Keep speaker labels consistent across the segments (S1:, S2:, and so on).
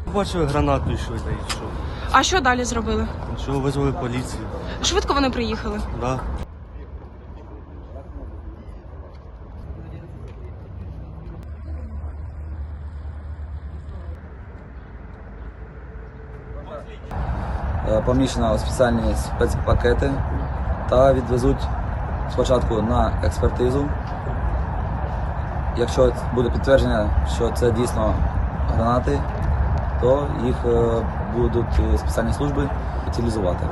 S1: Бачили гранату йшли, та й що.
S2: А що далі зробили?
S1: Що, визвали поліцію.
S2: Швидко вони приїхали?
S1: Да.
S3: Поміщено спеціальні спецпакети та відвезуть спочатку на експертизу. Якщо буде підтвердження, що це дійсно гранати, то їх будуть спеціальні служби утилізувати.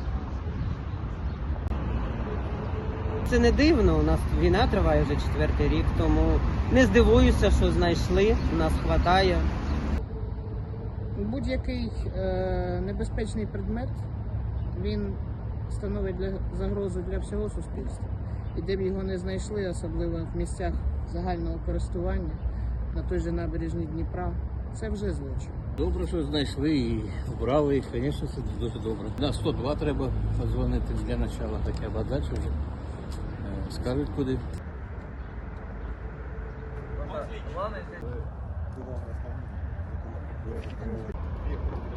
S4: Це не дивно, у нас війна триває вже 4-й рік, тому не здивуюся, що знайшли, у нас хватає.
S5: Будь-який небезпечний предмет, він становить загрозу для всього суспільства. І де б його не знайшли, особливо в місцях загального користування, на той же набережній Дніпра, це вже злочин.
S6: Добре, що знайшли і вбрали їх, звісно, це дуже добре. На 102 треба подзвонити для початку, таке, а далі вже скажуть куди.
S7: Главное